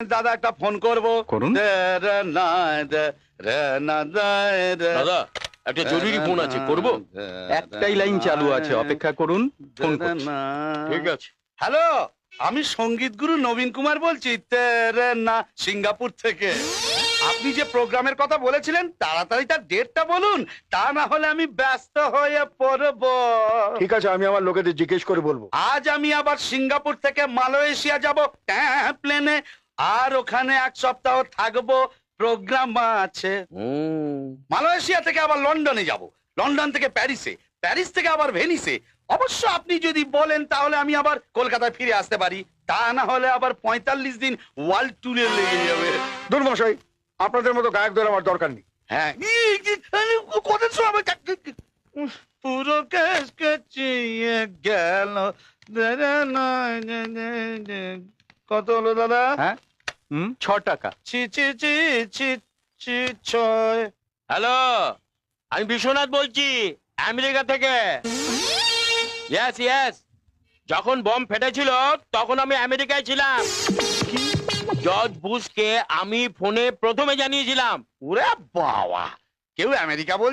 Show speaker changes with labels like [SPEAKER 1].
[SPEAKER 1] দাদা একটা ফোন করবো।
[SPEAKER 2] করুন।
[SPEAKER 3] দাদা একটা জরুরি ফোন আছে, করব?
[SPEAKER 2] একটাই লাইন চালু আছে, অপেক্ষা করুন, ফোন করছি।
[SPEAKER 3] ঠিক আছে।
[SPEAKER 1] হ্যালো, আমি সঙ্গীত গুরু নবীন কুমার বলছি, তেরে না, সিঙ্গাপুর থেকে। আপনি যে প্রোগ্রামের কথা বলেছিলেন তাড়াতাড়ি তার ডেটটা বলুন, তা না হলে আমি ব্যস্ত হয়ে পড়ব।
[SPEAKER 4] ঠিক আছে, আমি আমার লোকেদের জিজ্ঞেস করে বলবো।
[SPEAKER 1] আজ আমি আবার সিঙ্গাপুর থেকে মালয়েশিয়া যাব প্লেনে, আর ওখানে 1 সপ্তাহ থাকবো, প্রোগ্রাম আছে। মালয়েশিয়া থেকে আবার লন্ডনে যাব, লন্ডন থেকে প্যারিসে, প্যারিস থেকে আবার ভেনিসে। অবশ্য আপনি যদি বলেন তাহলে আমি আবার কলকাতায় ফিরে আসতে পারি, তা না হলে আবার 45 দিন ওয়ার্ল্ড ট্যুরে লেগে যাবে।
[SPEAKER 4] দুর্মশাই, আপনাদের মতো গায়কদের আমার দরকার নেই।
[SPEAKER 1] হ্যাঁ, কত সময় পুরো কেস কেচিয়ে গেল। কত হলো দাদা?
[SPEAKER 2] হ্যাঁ, 6 টাকা।
[SPEAKER 1] ছি ছি ছি ছি ছি ছয়।
[SPEAKER 3] হ্যালো, আমি বিশ্বনাথ বলছি, আমেরিকা থেকে। ইয়েস ইয়েস, যখন বম ফেটেছিল তখন আমি আমেরিকায় ছিলাম। জর্জ বুশকে আমি ফোনে প্রথমে জানিয়েছিলাম।
[SPEAKER 1] ওরে বাবা, কেউ আমেরিকা বল